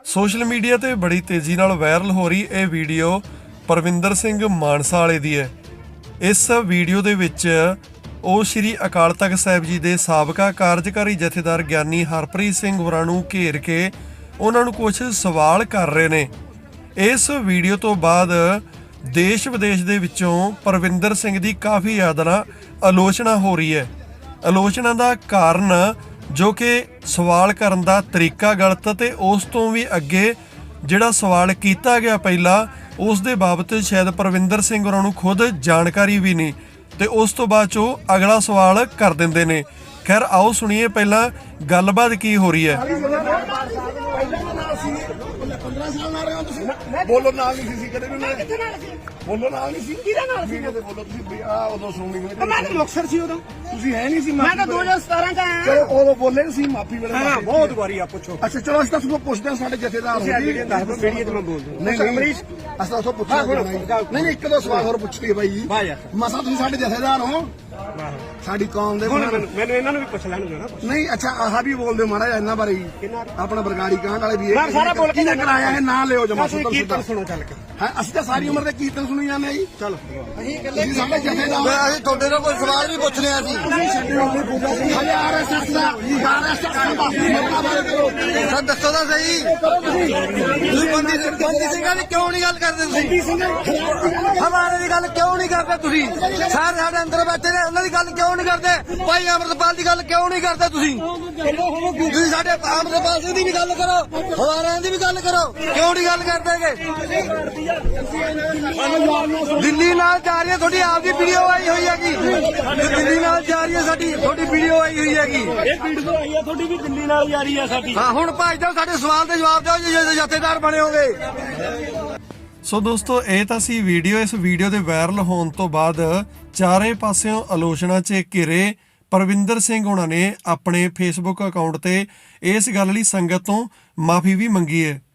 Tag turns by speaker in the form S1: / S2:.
S1: Social media ਤੇ ਬੜੀ ਤੇਜ਼ੀ ਨਾਲ ਵਾਇਰਲ ਹੋ ਰਹੀ ਇਹ ਵੀਡੀਓ ਪਰਵਿੰਦਰ ਸਿੰਘ ਮਾਨਸਾ ਵਾਲੇ ਦੀ ਹੈ। ਇਸ ਵੀਡੀਓ ਦੇ ਵਿੱਚ ਉਹ ਸ਼੍ਰੀ ਅਕਾਲ ਤਖਤ ਸਾਹਿਬ ਜੀ ਦੇ ਸਾਬਕਾ ਕਾਰਜਕਾਰੀ ਜਥੇਦਾਰ ਗਿਆਨੀ ਹਰਪ੍ਰੀਤ ਸਿੰਘ ਹੋਰਾਂ ਨੂੰ ਘੇਰ ਕੇ ਉਹਨਾਂ ਨੂੰ ਕੁਝ ਸਵਾਲ ਕਰ ਰਹੇ ਨੇ। ਇਸ ਵੀਡੀਓ ਤੋਂ ਬਾਅਦ ਦੇਸ਼ ਵਿਦੇਸ਼ ਦੇ ਵਿੱਚੋਂ ਪਰਵਿੰਦਰ ਸਿੰਘ ਦੀ ਕਾਫੀ ਜ਼ਿਆਦਾ ਆਲੋਚਨਾ ਹੋ ਰਹੀ ਹੈ। ਆਲੋਚਨਾ ਦਾ ਕਾਰਨ ਜੋ ਕਿ ਸਵਾਲ ਕਰਨ ਦਾ ਤਰੀਕਾ ਗਲਤ ਤੇ ਉਸ ਤੋਂ ਵੀ ਅੱਗੇ ਜਿਹੜਾ ਸਵਾਲ ਕੀਤਾ ਗਿਆ ਪਹਿਲਾਂ ਉਸ ਦੇ ਬਾਬਤ ਸ਼ਾਇਦ ਪਰਵਿੰਦਰ ਸਿੰਘ ਹੋਰਾਂ ਨੂੰ ਖੁਦ ਜਾਣਕਾਰੀ ਵੀ ਨਹੀਂ ਤੇ ਉਸ ਤੋਂ ਬਾਅਦ 'ਚ ਉਹ ਅਗਲਾ ਸਵਾਲ ਕਰ ਦਿੰਦੇ ਨੇ। ਖੈਰ ਆਓ ਸੁਣੀਏ ਪਹਿਲਾਂ ਗੱਲਬਾਤ ਕੀ ਹੋ ਰਹੀ ਹੈ।
S2: ਬੋਲੋ ਨਾਲ ਨਹੀਂ ਸੀ ਕਦੇ ਵੀ ਬੋਲੋ ਨਾਲ ਨਹੀਂ ਸੀ ਕਿਹਦਾ ਨਾਲ ਸੀ ਤੇ ਬੋਲੋ ਤੁਸੀਂ ਆ ਉਦੋਂ ਸੁਣਨੀ ਮੈਂ ਤਾਂ ਮੁਕਤਸਰ ਸੀ ਉਦੋਂ ਤੁਸੀਂ ਹੈ ਨਹੀਂ ਸੀ ਮੈਂ ਤਾਂ 2017 ਚ ਆਇਆ ਚਲੋ ਉਦੋਂ ਬੋਲੇ ਸੀ ਮਾਫੀ ਵੇਲੇ ਹਾਂ ਬਹੁਤ ਵਾਰੀ ਆ ਪੁੱਛੋ ਅੱਛਾ ਚਲੋ ਅਸੀਂ ਤਾਂ ਤੁਹਾਨੂੰ ਪੁੱਛਦੇ ਹਾਂ ਸਾਡੇ ਜਥੇਦਾਰ ਹੋ ਜੀ ਵੀਡੀਓ ਤੇ ਮੈਂ ਬੋਲਦਾ ਨਹੀਂ ਅਮਰੀਸ਼ ਅਸੀਂ ਤਾਂ ਉਥੋਂ ਪੁੱਛਿਆ ਨਹੀਂ ਇੱਕ ਦੋ ਸਵਾਲ ਹੋਰ ਪੁੱਛਦੇ ਬਾਈ ਜੀ ਮਸਾ ਤੁਸੀਂ ਸਾਡੇ ਜਥੇਦਾਰ ਹੋ ਸਾਡੀ ਕੌਮ ਦੇ ਮੈਨੂੰ ਇਹਨਾਂ ਨੂੰ ਵੀ ਪੁੱਛ ਲੈਣਗੇ ਨਾ ਨਹੀਂ ਅੱਛਾ ਆਹ ਵੀ ਬੋਲਦੇ ਮਾੜਾ ਇੰਨਾ ਬਾਰੇ ਆਪਣਾ ਬਰਗਾੜੀ ਕਾਂਡ ਵਾਲੇ ਵੀ ਇਹ ਸਾਰਾ ਬੋਲ ਕੇ ਕਰਾਇਆ ਹੈ ਨਾ ਲਿਓ ਜਮਾ ਸੁਣੋ ਚੱਲ ਕੇ ਹਾਂ ਅਸੀਂ ਤਾਂ ਸਾਰੀ ਉਮਰ ਦੇ ਕੀਰਤਨ ਸੁਣੀ ਜਾਂਦੇ ਆ ਜੀ ਚਲ ਅਸੀਂ ਸਾਡੇ ਜਥੇਦਾਰ ਅਸੀਂ ਤੁਹਾਡੇ ਨਾਲ ਕੋਈ ਸਵਾਲ ਵੀ ਪੁੱਛ ਰਹੇ ਸੀ ਆਰਐਸਐਸ ਦਾ ਸਰ ਦੱਸੋ ਤਾਂ ਸਹੀ ਤੁਸੀਂ ਬੰਦੀ ਸਿੰਘਾਂ ਦੀ ਕਿਉਂ ਨਹੀਂ ਗੱਲ ਕਰਦੇ ਤੁਸੀਂ ਹਮਾਰੇ ਦੀ ਗੱਲ ਕਿਉਂ ਨਹੀਂ ਕਰਦੇ ਤੁਸੀਂ ਸਾਰੇ ਸਾਡੇ ਅੰਦਰ ਬੈਠੇ ਨੇ ਉਹਨਾਂ ਦੀ ਗੱਲ ਕਿਉਂ ਨਹੀਂ ਕਰਦੇ ਭਾਈ ਅਮਰਤਪਾਲ ਦੀ ਗੱਲ ਕਿਉਂ ਨਹੀਂ ਕਰਦੇ ਤੁਸੀਂ ਸਾਡੇ ਅਮਰਤਪਾਲ ਸਿੰਘ ਦੀ ਵੀ ਗੱਲ ਕਰੋ ਹਵਾਰਿਆਂ ਦੀ ਵੀ ਗੱਲ ਕਰੋ ਕਿਉਂ ਨਹੀਂ ਗੱਲ ਕਰਦੇਗੇ ਦਿੱਲੀ ਨਾਲ ਜਾ ਰਹੀ ਹੈ ਤੁਹਾਡੀ ਆਪਦੀ ਵੀਡੀਓ ਆਈ ਹੋਈ ਹੈਗੀ ਦਿੱਲੀ ਨਾਲ ਜਾ ਰਹੀ ਹੈ ਸਾਡੀ ਤੁਹਾਡੀ ਵੀਡੀਓ ਆਈ ਹੋਈ ਹੈਗੀ ਇਹ ਵੀਡੀਓ ਆਈ ਹੈ ਤੁਹਾਡੀ ਵੀ ਦਿੱਲੀ ਨਾਲ ਜਾ ਰਹੀ ਹੈ ਸਾਡੀ ਹਾਂ ਹੁਣ ਭਾਈ ਸਾਹਿਬ ਸਾਡੇ ਸਵਾਲ ਦੇ ਜਵਾਬ ਦਿਓ ਜੇ ਜਥੇਦਾਰ ਬਣੇ ਹੋਗੇ।
S1: ਸੋ ਦੋਸਤੋ ਇਹ ਤਾਂ ਸੀ ਵੀਡੀਓ। ਇਸ ਵੀਡੀਓ ਦੇ ਵਾਇਰਲ ਹੋਣ ਤੋਂ ਬਾਅਦ ਚਾਰੇ ਪਾਸਿਓਂ ਆਲੋਚਨਾ 'ਚ ਘਿਰੇ ਪਰਵਿੰਦਰ ਸਿੰਘ ਹੋਣਾ ਨੇ ਆਪਣੇ ਫੇਸਬੁੱਕ ਅਕਾਊਂਟ ਤੇ ਇਸ ਗੱਲ ਲਈ ਸੰਗਤ ਤੋਂ ਮਾਫੀ ਵੀ ਮੰਗੀ ਹੈ।